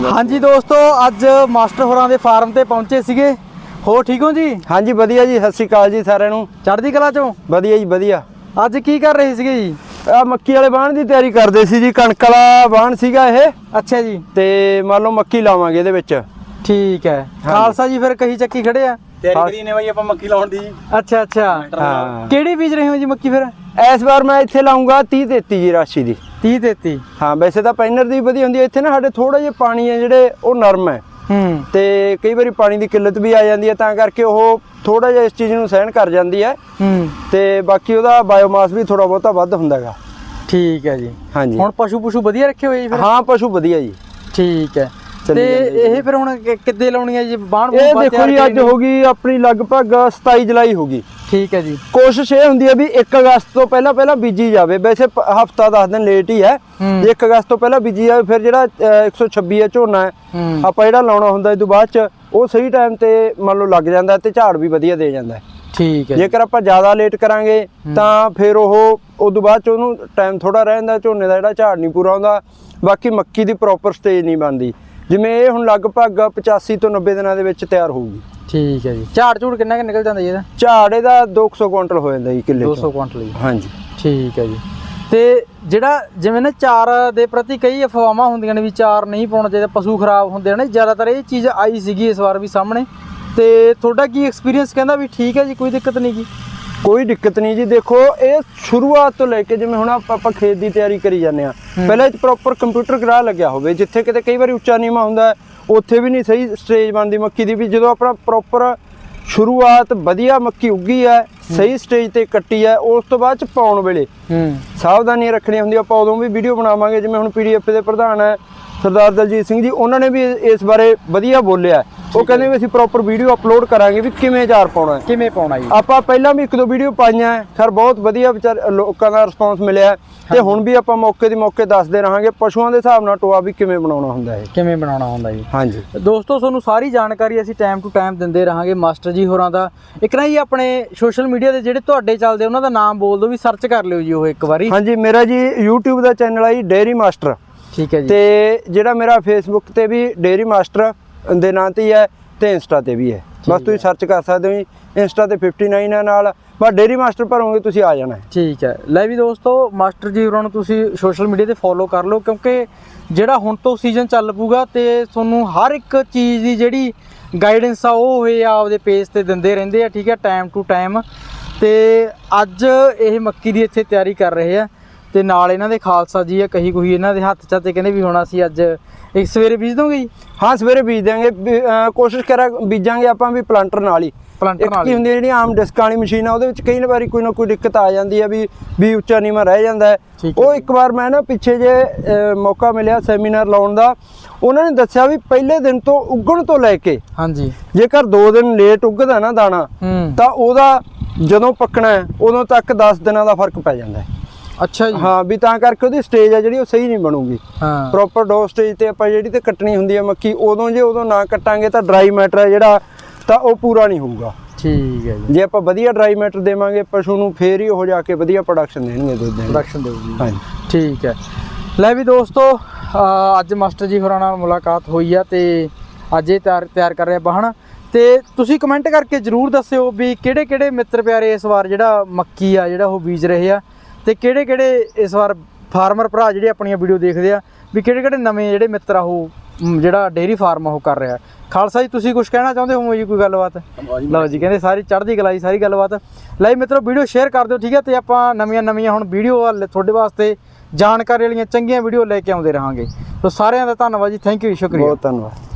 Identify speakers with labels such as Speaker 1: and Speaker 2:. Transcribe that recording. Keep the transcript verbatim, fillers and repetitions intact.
Speaker 1: हाँ जी दोस्तों, अज मास्टर होरां दे फार्म ते पहुंचे सीगे। हो ठीक हो जी?
Speaker 2: हाँ जी वधिया जी, सत श्री अकाल जी सारिਆਂ ਨੂੰ।
Speaker 1: चढ़दी कला चों
Speaker 2: वधिया जी वधिया।
Speaker 1: अज की कर रहे सीगे जी?
Speaker 2: आ मक्की वाले बाण ਦੀ ਤਿਆਰੀ ਕਰਦੇ ਸੀ ਜੀ। ਕਣਕ ਵਾਲਾ ਬਾਣ ਸੀਗਾ ਇਹ।
Speaker 1: अच्छा जी।
Speaker 2: ਤੇ ਮੰਨ ਲਓ ਮੱਕੀ ਲਾਵਾਂਗੇ ਇਹਦੇ ਵਿੱਚ।
Speaker 1: ठीक है। खालसा जी फिर कही ਚੱਕੀ ਖੜੇ ਆ?
Speaker 3: ਤਿਆਰੀ ਕਰੀ ਨੇ ਬਾਈ ਆਪਾਂ ਮੱਕੀ ਲਾਉਣ ਦੀ।
Speaker 1: अच्छा अच्छा।
Speaker 2: ਹਾਂ
Speaker 1: ਕਿਹੜੀ ਬੀਜ ਰਹੇ ਹੋ ਜੀ ਮੱਕੀ ਫਿਰ?
Speaker 2: ਇਸ ਵਾਰ ਮੈਂ ਇੱਥੇ ਲਾਉਂਗਾ तीस तैंतीस ਜੀ ਰਾਸ਼ੀ ਦੀ।
Speaker 1: तीस तैंतीस।
Speaker 2: ਹਾਂ ਵੈਸੇ ਤਾਂ ਪੈਨਰ ਦੀ ਵਧੀਆ ਹੁੰਦੀ ਹੈ। ਇੱਥੇ ਨਾ ਸਾਡੇ ਥੋੜਾ ਜਿਹਾ ਪਾਣੀ ਹੈ ਜਿਹੜੇ ਉਹ ਨਰਮ ਹੈ
Speaker 1: ਹੂੰ
Speaker 2: ਤੇ ਕਈ ਵਾਰੀ ਪਾਣੀ ਦੀ ਕਿੱਲਤ ਵੀ ਆ ਜਾਂਦੀ ਹੈ, ਤਾਂ ਕਰਕੇ ਉਹ ਥੋੜਾ ਜਿਹਾ ਇਸ ਚੀਜ਼ ਨੂੰ ਸਹਿਣ ਕਰ ਜਾਂਦੀ ਹੈ।
Speaker 1: ਹੂੰ
Speaker 2: ਤੇ ਬਾਕੀ ਉਹਦਾ ਬਾਇਓਮਾਸ ਵੀ ਥੋੜਾ ਬਹੁਤਾ ਵੱਧ ਹੁੰਦਾ ਹੈਗਾ।
Speaker 1: ਠੀਕ ਹੈ ਜੀ।
Speaker 2: ਹਾਂਜੀ
Speaker 1: ਹੁਣ ਪਸ਼ੂ ਪਸ਼ੂ ਵਧੀਆ ਰੱਖੇ ਹੋਏ ਜੀ ਫਿਰ?
Speaker 2: ਹਾਂ ਪਸ਼ੂ ਵਧੀਆ ਜੀ।
Speaker 1: ਠੀਕ ਹੈ। ਤੇ ਇਹ ਫਿਰ ਹੁਣ ਕਿੱਦੇ ਲਾਉਣੀ ਹੈ ਜੀ ਬਾਣ?
Speaker 2: ਇਹ ਦੇਖੋ ਜੀ ਅੱਜ ਹੋ ਗਈ ਆਪਣੀ ਲਗਭਗ ਸਤਾਈ ਜੁਲਾਈ ਹੋ ਗਈ।
Speaker 1: ਠੀਕ ਹੈ ਜੀ।
Speaker 2: ਕੋਸ਼ਿਸ਼ ਇਹ ਹੁੰਦੀ ਹੈ ਵੀ ਇੱਕ ਅਗਸਤ ਤੋਂ ਪਹਿਲਾਂ ਪਹਿਲਾਂ ਬੀਜੀ ਜਾਵੇ। ਵੈਸੇ ਹਫਤਾ ਦਸ ਦਿਨ ਲੇਟ ਹੀ ਹੈ। ਜੇ ਇੱਕ ਅਗਸਤ ਤੋਂ ਪਹਿਲਾਂ ਬੀਜੀ ਜਾਵੇ ਫਿਰ ਜਿਹੜਾ ਇੱਕ ਸੌ ਛੱਬੀ ਹੈ ਝੋਨਾ ਹੈ ਆਪਾਂ ਜਿਹੜਾ ਲਾਉਣਾ ਹੁੰਦਾ ਇਹ ਤੋਂ ਬਾਅਦ ਚ ਉਹ ਸਹੀ ਟਾਈਮ ਤੇ ਮੰਨ ਲਓ ਲੱਗ ਜਾਂਦਾ ਤੇ ਝਾੜ ਵੀ ਵਧੀਆ ਦੇ ਜਾਂਦਾ ਹੈ।
Speaker 1: ਠੀਕ ਹੈ।
Speaker 2: ਜੇਕਰ ਆਪਾਂ ਜ਼ਿਆਦਾ ਲੇਟ ਕਰਾਂਗੇ ਤਾਂ ਫਿਰ ਉਹ ਉਦੋਂ ਬਾਅਦ ਚ ਉਹਨੂੰ ਟਾਈਮ ਥੋੜਾ ਰਹਿ ਜਾਂਦਾ, ਝੋਨੇ ਦਾ ਜਿਹੜਾ ਝਾੜ ਨਹੀਂ ਪੂਰਾ ਹੁੰਦਾ। ਬਾਕੀ ਮੱਕੀ ਦੀ ਪ੍ਰੋਪਰ ਸਟੇਜ ਨਹੀਂ ਬਣਦੀ। ਜਿਵੇਂ ਇਹ ਹੁਣ ਲਗਭਗ ਪਚਾਸੀ ਤੋਂ ਨੱਬੇ ਦਿਨਾਂ ਦੇ ਵਿੱਚ ਤਿਆਰ ਹੋਊਗੀ।
Speaker 1: ਠੀਕ ਹੈ ਜੀ। ਝਾੜ ਝੂੜ ਕਿੰਨਾ ਕਿ ਨਿਕਲ ਜਾਂਦਾ ਜੀ ਇਹਦਾ?
Speaker 2: ਝਾੜ ਇਹਦਾ ਦੋ ਸੌ ਕੁਇੰਟਲ ਹੋ ਜਾਂਦਾ ਜੀ ਕਿੱਲੇ
Speaker 1: ਦੋ ਸੌ ਕੁਇੰਟਲ ਜੀ।
Speaker 2: ਹਾਂਜੀ
Speaker 1: ਠੀਕ ਹੈ ਜੀ। ਤੇ ਜਿਹੜਾ ਜਿਵੇਂ ਨਾ ਚਾਰ ਦੇ ਪ੍ਰਤੀ ਕਈ ਅਫਵਾਹਾਂ ਹੁੰਦੀਆਂ ਨੇ ਵੀ ਚਾਰ ਨਹੀਂ ਪਾਉਣਾ ਚਾਹੀਦਾ, ਪਸ਼ੂ ਖਰਾਬ ਹੁੰਦੇ ਨੇ, ਜ਼ਿਆਦਾਤਰ ਇਹ ਚੀਜ਼ ਆਈ ਸੀਗੀ ਇਸ ਵਾਰ ਵੀ ਸਾਹਮਣੇ। ਤੇ ਤੁਹਾਡਾ ਕੀ ਐਕਸਪੀਰੀਅੰਸ ਕਹਿੰਦਾ ਵੀ ਠੀਕ ਹੈ ਜੀ, ਕੋਈ ਦਿੱਕਤ ਨਹੀਂ ਗੀ?
Speaker 2: ਕੋਈ ਦਿੱਕਤ ਨਹੀਂ ਜੀ। ਦੇਖੋ ਇਹ ਸ਼ੁਰੂਆਤ ਤੋਂ ਲੈ ਕੇ ਜਿਵੇਂ ਹੁਣ ਆਪਾਂ ਖੇਤ ਦੀ ਤਿਆਰੀ ਕਰੀ ਜਾਂਦੇ ਆ, ਪਹਿਲਾਂ ਇਹ ਪ੍ਰੋਪਰ ਕੰਪਿਊਟਰ ਗਰਾ ਲੱਗਿਆ ਹੋਵੇ। ਜਿੱਥੇ ਕਿਤੇ ਕਈ ਵਾਰੀ ਉੱਚਾ ਨੀਵਾਂ ਹੁੰਦਾ ਉੱਥੇ ਵੀ ਨਹੀਂ ਸਹੀ ਸਟੇਜ ਬਣਦੀ ਮੱਕੀ ਦੀ। ਵੀ ਜਦੋਂ ਆਪਣਾ ਪ੍ਰੋਪਰ ਸ਼ੁਰੂਆਤ ਵਧੀਆ ਮੱਕੀ ਉੱਗੀ ਹੈ, ਸਹੀ ਸਟੇਜ ਤੇ ਕੱਟੀ ਹੈ, ਉਸ ਤੋਂ ਬਾਅਦ ਚ ਪਾਉਣ ਵੇਲੇ ਸਾਵਧਾਨੀਆਂ ਰੱਖਣੀਆਂ ਹੁੰਦੀਆਂ। ਆਪਾਂ ਉਦੋਂ ਵੀ ਵੀਡੀਓ ਬਣਾਵਾਂਗੇ। ਜਿਵੇਂ ਹੁਣ ਪੀਡੀਐਫ ਦੇ ਪ੍ਰਧਾਨ ਹੈ ਸਰਦਾਰ ਦਲਜੀਤ ਸਿੰਘ ਜੀ, ਉਹਨਾਂ ਨੇ ਵੀ ਇਸ ਬਾਰੇ ਵਧੀਆ ਬੋਲਿਆ। ਉਹ ਕਹਿੰਦੇ ਵੀ ਅਸੀਂ ਪ੍ਰੋਪਰ ਵੀਡੀਓ ਅਪਲੋਡ ਕਰਾਂਗੇ ਵੀ ਕਿਵੇਂ ਚਾਰ ਪਾਉਣਾ ਹੈ,
Speaker 1: ਕਿਵੇਂ ਪਾਉਣਾ ਜੀ।
Speaker 2: ਆਪਾਂ ਪਹਿਲਾਂ ਵੀ ਇੱਕ ਦੋ ਵੀਡੀਓ ਪਾਈਆਂ ਖੈਰ ਬਹੁਤ ਵਧੀਆ ਵਿਚਾਰ ਲੋਕਾਂ ਦਾ ਰਿਸਪੌਂਸ ਮਿਲਿਆ। ਤੇ ਹੁਣ ਵੀ ਆਪਾਂ ਮੌਕੇ ਦੀ ਮੌਕੇ ਦੱਸਦੇ ਰਹਾਂਗੇ ਪਸ਼ੂਆਂ ਦੇ ਹਿਸਾਬ ਨਾਲ ਟੋਆ ਵੀ ਕਿਵੇਂ ਬਣਾਉਣਾ ਹੁੰਦਾ ਹੈ,
Speaker 1: ਕਿਵੇਂ ਬਣਾਉਣਾ ਹੁੰਦਾ ਜੀ।
Speaker 2: ਹਾਂਜੀ
Speaker 1: ਦੋਸਤੋ, ਤੁਹਾਨੂੰ ਸਾਰੀ ਜਾਣਕਾਰੀ ਅਸੀਂ ਟਾਈਮ ਟੂ ਟਾਈਮ ਦਿੰਦੇ ਰਹਾਂਗੇ ਮਾਸਟਰ ਜੀ ਹੋਰਾਂ ਦਾ। ਇੱਕ ਨਾ ਜੀ ਆਪਣੇ ਸੋਸ਼ਲ ਮੀਡੀਆ ਦੇ ਜਿਹੜੇ ਤੁਹਾਡੇ ਚੱਲਦੇ ਉਹਨਾਂ ਦਾ ਨਾਮ ਬੋਲ ਦਿਓ ਵੀ ਸਰਚ ਕਰ ਲਿਓ ਜੀ ਉਹ ਇੱਕ ਵਾਰੀ।
Speaker 2: ਹਾਂਜੀ ਮੇਰਾ ਜੀ YouTube ਦਾ ਚੈਨਲ ਹੈ ਜੀ ਡੇਅਰੀ ਮਾਸਟਰ। ਠੀਕ ਹੈ ਜੀ। ਤੇ ਜਿਹੜਾ ਮੇਰਾ ਫੇਸਬੁੱਕ ਤੇ ਵੀ ਡੇਅਰੀ ਮਾਸਟਰ ਦੇ ਨਾਂ ਤੇ ਹੀ ਹੈ ਤੇ ਇੰਸਟਾ ਤੇ ਵੀ ਹੈ। ਬਸ ਤੁਸੀਂ ਸਰਚ ਕਰ ਸਕਦੇ ਹੋ ਜੀ। ਇੰਸਟਾ ਤੇ उनसठ ਹੈ ਨਾਲ, ਬਸ ਡੇਅਰੀ ਮਾਸਟਰ ਭਰੋਗੇ ਤੁਸੀਂ ਆ ਜਾਣਾ ਹੈ। ਠੀਕ ਹੈ।
Speaker 1: ਲੈ ਵੀ ਦੋਸਤੋ, ਮਾਸਟਰ ਜੀ ਹੋਰਾਂ ਨੂੰ ਤੁਸੀਂ ਸੋਸ਼ਲ ਮੀਡੀਆ ਤੇ ਫੋਲੋ ਕਰ ਲਓ, ਕਿਉਂਕਿ ਜਿਹੜਾ ਹੁਣ ਤੋਂ ਸੀਜ਼ਨ ਚੱਲ ਪੂਗਾ ਤੇ ਤੁਹਾਨੂੰ ਹਰ ਇੱਕ ਚੀਜ਼ ਦੀ ਜਿਹੜੀ ਗਾਈਡੈਂਸ ਆ ਉਹ ਇਹ ਆਪਦੇ ਪੇਜ ਤੇ ਦਿੰਦੇ ਰਹਿੰਦੇ ਆ। ਠੀਕ ਹੈ, ਟਾਈਮ ਟੂ ਟਾਈਮ। ਤੇ ਅੱਜ ਇਹ ਮੱਕੀ ਦੀ ਇੱਥੇ ਤਿਆਰੀ ਕਰ ਰਹੇ ਆ ਤੇ ਨਾਲ ਇਹਨਾਂ ਦੇ ਖਾਲਸਾ ਜੀ ਆ, ਕਹੀ ਕੋਈ ਇਹਨਾਂ ਦੇ ਹੱਥ 'ਚ ਤੇ ਕਹਿੰਦੇ ਵੀ ਹੁਣ ਅਸੀਂ ਅੱਜ ਇੱਕ ਸਵੇਰੇ ਬੀਜ ਦੋਗੇ ਜੀ?
Speaker 2: ਹਾਂ ਸਵੇਰੇ ਬੀਜ ਦੇਵਾਂਗੇ। ਕੋਸ਼ਿਸ਼ ਕਰਾਂ ਬੀਜਾਂਗੇ ਆਪਾਂ ਵੀ ਪਲਾਂਟਰ ਨਾਲ ਹੀ।
Speaker 1: ਪਲਾਂਟਰ ਨਾਲ
Speaker 2: ਕੀ ਹੁੰਦੀ ਹੈ ਜਿਹੜੀ ਆਮ ਡਿਸਕਾਂ ਵਾਲੀ ਮਸ਼ੀਨ ਆ ਉਹਦੇ ਵਿੱਚ ਕਈ ਵਾਰੀ ਕੋਈ ਨਾ ਕੋਈ ਦਿੱਕਤ ਆ ਜਾਂਦੀ ਹੈ ਵੀ ਵੀ ਉੱਚਾ ਨੀਵਾਂ ਰਹਿ ਜਾਂਦਾ ਹੈ। ਉਹ ਇੱਕ ਵਾਰ ਮੈਂ ਨਾ ਪਿੱਛੇ ਜੇ ਮੌਕਾ ਮਿਲਿਆ ਸੈਮੀਨਾਰ ਲਾਉਣ ਦਾ, ਉਹਨਾਂ ਨੇ ਦੱਸਿਆ ਵੀ ਪਹਿਲੇ ਦਿਨ ਤੋਂ ਉੱਗਣ ਤੋਂ ਲੈ ਕੇ
Speaker 1: ਹਾਂਜੀ
Speaker 2: ਜੇਕਰ ਦੋ ਦਿਨ ਲੇਟ ਉੱਗਦਾ ਨਾ ਦਾਣਾ ਤਾਂ ਉਹਦਾ ਜਦੋਂ ਪੱਕਣਾ ਹੈ ਉਦੋਂ ਤੱਕ ਦਸ ਦਿਨਾਂ ਦਾ ਫਰਕ ਪੈ ਜਾਂਦਾ ਹੈ।
Speaker 1: ਅੱਛਾ ਜੀ।
Speaker 2: ਹਾਂ ਵੀ ਤਾਂ ਕਰਕੇ ਉਹਦੀ ਸਟੇਜ ਹੈ ਜਿਹੜੀ ਉਹ ਸਹੀ ਨਹੀਂ ਬਣੂਗੀ।
Speaker 1: ਹਾਂ
Speaker 2: ਪ੍ਰੋਪਰ ਡੋ ਸਟੇਜ ਤੇ ਆਪਾਂ ਜਿਹੜੀ ਤੇ ਕੱਟਣੀ ਹੁੰਦੀ ਹੈ ਮੱਕੀ, ਉਦੋਂ ਜੇ ਉਦੋਂ ਨਾ ਕੱਟਾਂਗੇ ਤਾਂ ਡਰਾਈ ਮੈਟਰ ਹੈ ਜਿਹੜਾ ਤਾਂ ਉਹ ਪੂਰਾ ਨਹੀਂ ਹੋਊਗਾ।
Speaker 1: ਠੀਕ ਹੈ ਜੀ।
Speaker 2: ਜੇ ਆਪਾਂ ਵਧੀਆ ਡਰਾਈ ਮੈਟਰ ਦੇਵਾਂਗੇ ਪਸ਼ੂ ਨੂੰ ਫੇਰ ਹੀ ਉਹ ਜਾ ਕੇ ਵਧੀਆ ਪ੍ਰੋਡਕਸ਼ਨ ਦੇਣਗੇ, ਦੁੱਧ ਦੇਣਗੇ,
Speaker 1: ਪ੍ਰੋਡਕਸ਼ਨ ਦੇਊਗੀ।
Speaker 2: ਹਾਂਜੀ
Speaker 1: ਠੀਕ ਹੈ। ਲੈ ਵੀ ਦੋਸਤੋ, ਅੱਜ ਮਾਸਟਰ ਜੀ ਹੋਰਾਂ ਨਾਲ ਮੁਲਾਕਾਤ ਹੋਈ ਆ ਤੇ ਅੱਜ ਇਹ ਤਿਆਰ ਤਿਆਰ ਕਰ ਰਹੇ ਬਾਹਣ। ਤੇ ਤੁਸੀਂ ਕਮੈਂਟ ਕਰਕੇ ਜ਼ਰੂਰ ਦੱਸਿਓ ਵੀ ਕਿਹੜੇ ਕਿਹੜੇ ਮਿੱਤਰ ਪਿਆਰੇ ਇਸ ਵਾਰ ਜਿਹੜਾ ਮੱਕੀ ਆ ਜਿਹੜਾ ਉਹ ਬੀਜ ਰਹੇ ਆ, ਤੇ ਕਿਹੜੇ ਕਿਹੜੇ ਇਸ ਵਾਰ ਫਾਰਮਰ ਭਰਾ ਜਿਹੜੇ ਆਪਣੀਆਂ ਵੀਡੀਓ ਦੇਖਦੇ ਆ ਵੀ ਕਿਹੜੇ ਕਿਹੜੇ ਨਵੇਂ ਜਿਹੜੇ ਮਿੱਤਰ ਆ ਉਹ ਜਿਹੜਾ ਡੇਅਰੀ ਫਾਰਮ ਉਹ ਕਰ ਰਿਹਾ। ਖਾਲਸਾ ਜੀ ਤੁਸੀਂ ਕੁਝ ਕਹਿਣਾ ਚਾਹੁੰਦੇ ਹੋ ਜੀ? ਕੋਈ ਗੱਲਬਾਤ? ਲਓ ਜੀ, ਕਹਿੰਦੇ ਸਾਰੀ ਚੜ੍ਹਦੀ ਕਲਾ ਜੀ, ਸਾਰੀ ਗੱਲਬਾਤ। ਲੈ ਮਿੱਤਰੋ, ਵੀਡੀਓ ਸ਼ੇਅਰ ਕਰ ਦਿਓ। ਠੀਕ ਹੈ, ਤੇ ਆਪਾਂ ਨਵੀਆਂ ਨਵੀਆਂ ਹੁਣ ਵੀਡੀਓ ਤੁਹਾਡੇ ਵਾਸਤੇ ਜਾਣਕਾਰੀ ਵਾਲੀਆਂ ਚੰਗੀਆਂ ਵੀਡੀਓ ਲੈ ਕੇ ਆਉਂਦੇ ਰਹਾਂਗੇ। ਸੋ ਸਾਰਿਆਂ ਦਾ ਧੰਨਵਾਦ ਜੀ, ਥੈਂਕ ਯੂ, ਸ਼ੁਕਰੀਆ,
Speaker 2: ਬਹੁਤ ਧੰਨਵਾਦ।